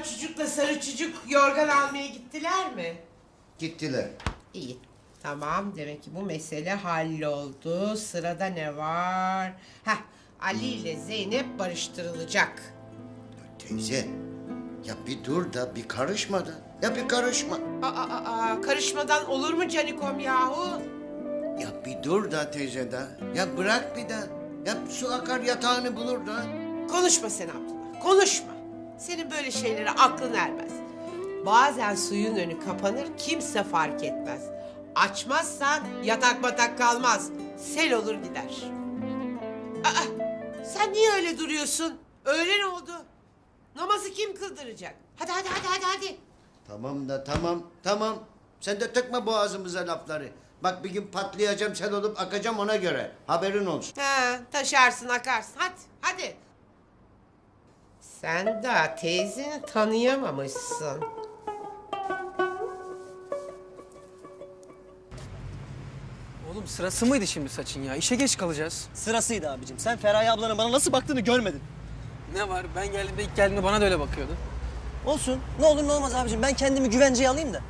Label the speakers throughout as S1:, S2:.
S1: çocukla sarı çocuk yorgan almaya gittiler mi?
S2: Gittiler.
S1: İyi. Tamam, demek ki bu mesele halloldu. Sırada ne var? Heh, Ali ile Zeynep barıştırılacak.
S2: Teyze, ya bir dur da bir karışma da. Ya bir karışma.
S1: Karışmadan olur mu Canikom yahu?
S2: Ya bir dur da teyze da. Ya bırak bir de. Ya su akar yatağını bulur da.
S1: Konuşma sen Abdullah, konuşma. Senin böyle şeylere aklın ermez. Bazen suyun önü kapanır, kimse fark etmez. Açmazsan yatak batak kalmaz. Sel olur gider. Sen niye öyle duruyorsun? Öğlen oldu. Namazı kim kıldıracak? Hadi.
S2: Tamam da tamam. Sen de tıkma boğazımıza lafları. Bak bir gün patlayacağım, sel olup akacağım ona göre. Haberin olsun.
S1: Taşarsın akarsın. Hadi. Sen daha teyzeni tanıyamamışsın.
S3: Oğlum sırası mıydı şimdi saçın ya? İşe geç kalacağız.
S4: Sırasıydı abicim. Sen Feraye ablanın bana nasıl baktığını görmedin.
S3: Ne var? Ben geldiğimde ilk geldiğimde bana da öyle bakıyordu.
S4: Olsun. Ne olur ne olmaz abicim. Ben kendimi güvenceye alayım da.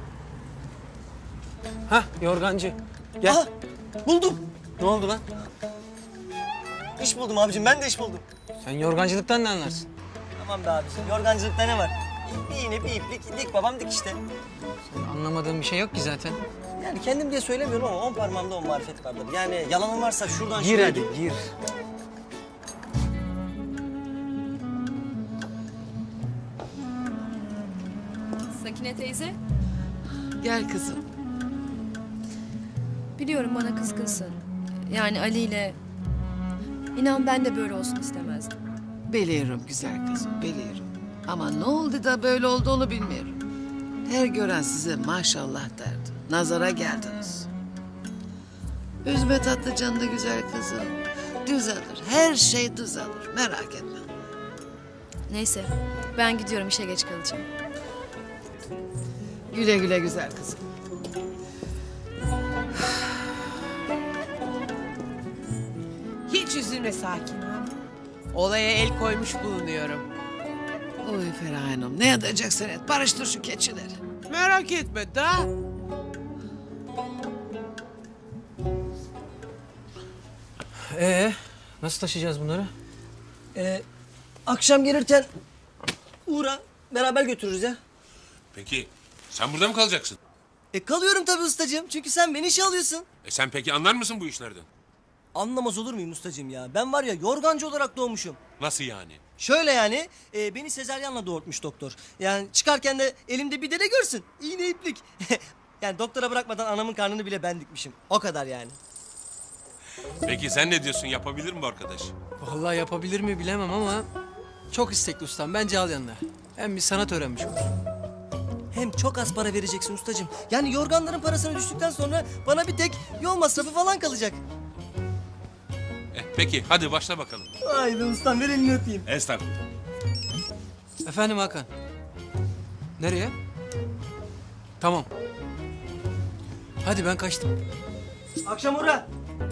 S3: Hah yorgancı. Gel.
S4: Aha, buldum. Ne oldu lan? İş buldum abicim. Ben de iş buldum.
S3: Sen yorgancılıktan ne anlarsın?
S4: Tamam be abicim. Yorgancılıkta ne var? Bir iğne, bir iplik. Dik babam dik işte.
S3: Anlamadığım bir şey yok ki zaten.
S4: Yani kendim diye söylemiyorum ama 10 parmağımda 10 marifet vardır. Yani yalanım varsa şuradan
S3: Gir
S4: şuraya...
S3: hadi gir.
S5: Sakine teyze,
S6: Gel kızım.
S5: biliyorum bana kızgınsın. Yani Ali ile... İnan ben de böyle olsun istemezdim.
S6: Biliyorum güzel kızım, biliyorum. Ama ne oldu da böyle oldu onu bilmiyorum. Her gören size maşallah derdi. Nazara geldiniz. Üzme tatlı canlı güzel kızım. Düzelir, her şey düzelir. Merak etme.
S5: Neyse, ben gidiyorum, işe geç kalacağım.
S6: Güle güle güzel kızım.
S1: Hiç üzülme Sakin Hanım. Olaya el koymuş bulunuyorum.
S6: Oy Feraye Hanım, ne edeceksin et? Barıştır şu keçileri.
S1: Merak etme da.
S3: Nasıl taşıyacağız bunları?
S4: Akşam gelirken uğra. Beraber götürürüz ya.
S7: Peki sen burada mı kalacaksın?
S4: Kalıyorum tabii ustacığım. Çünkü sen beni işe alıyorsun.
S7: Sen peki anlar mısın bu işlerden?
S4: Anlamaz olur muyum ustacığım ya? Ben var ya yorgancı olarak doğmuşum.
S7: Nasıl yani?
S4: Şöyle yani, beni sezaryenle doğurtmuş doktor. Yani çıkarken de elimde bir dele görsün. İğne iplik. Yani doktora bırakmadan anamın karnını bile ben dikmişim. O kadar yani.
S7: Peki sen ne diyorsun? Yapabilir mi bu arkadaş?
S3: Vallahi yapabilir mi bilemem ama çok istekli ustam. Bence al yanına. Hem bir sanat öğrenmiş olur.
S4: Hem çok az para vereceksin ustacığım. Yani yorganların parasını düştükten sonra bana bir tek yol masrafı falan kalacak.
S7: Peki hadi başla bakalım.
S4: Haydi ustam ver elini öpeyim.
S7: Estağfurullah.
S3: Efendim Hakan. Nereye? Tamam. Hadi ben kaçtım.
S4: Akşam uğra.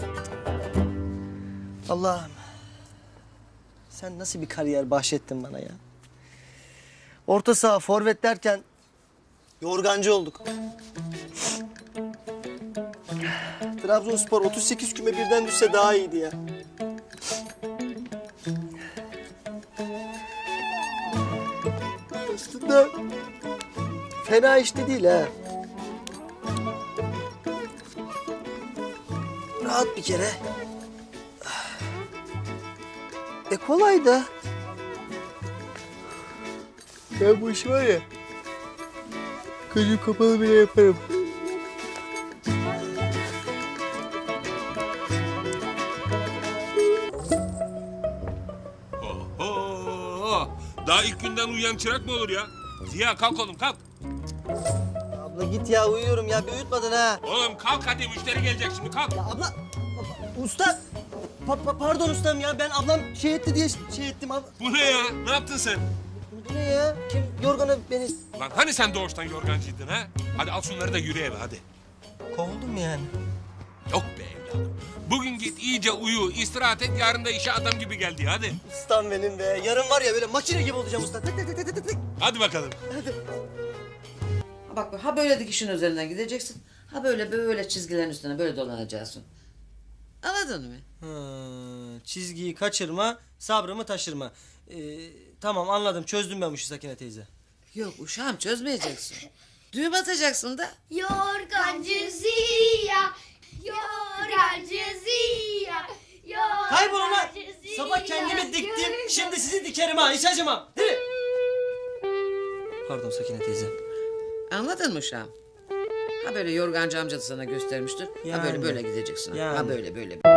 S4: Allah'ım. Sen nasıl bir kariyer bahşettin bana ya. Orta saha forvet derken yorgancı olduk. Trabzonspor 38 küme birden düşse daha iyiydi ya. Aslında fena işte değil ha. Rahat bir kere. Kolay da. Ben bu işi var ya, gözüm kapalı bile yaparım.
S7: Oho! Daha ilk günden uyuyan çırak mı olur ya? Ziya kalk oğlum kalk.
S4: Abla git ya, uyuyorum ya, bir uyutmadın ha.
S7: Oğlum kalk hadi müşteri gelecek şimdi kalk.
S4: Abla, usta. Pardon ustam ya, ben ablam şey etti diye şey ettim abi.
S7: Bu ne ya? Ne yaptın sen?
S4: Bu ne ya? Kim yorganı beni
S7: Lan hani sen doğuştan yorgancıydın ha? Hadi al şunları da yürü eve hadi.
S4: kovuldum mu yani?
S7: Yok be evladım. Bugün git iyice uyu, istirahat et, yarın da işe adam gibi geldi. Hadi.
S4: Ustam benim be. Yarın var ya böyle makine gibi olacağım usta. Tık tık tık tık tık tık.
S7: Hadi bakalım.
S6: Bak ha böyle dikişin üzerinden gideceksin. Ha böyle çizgilerin üstüne böyle dolanacaksın. Anladın mı?
S4: Çizgiyi kaçırma, sabrımı taşırma. Tamam anladım. Çözdüm ben bu işi Sakine teyze.
S6: Yok uşağım çözmeyeceksin. Düğüm atacaksın da.
S8: Yorgancı Ziya, yorgancı Ziya,
S4: Kaybol lan!
S8: yorgancı Ziya.
S4: Sabah kendimi diktim, şimdi sizi dikerim ha, hiç acımam. Değil mi? Pardon Sakine teyze.
S6: Anladın mı uşağım? Ha böyle yorgancı amca da sana göstermiştir. Ha
S4: Yani.
S6: böyle gideceksin. Ha
S4: Yani.
S6: böyle.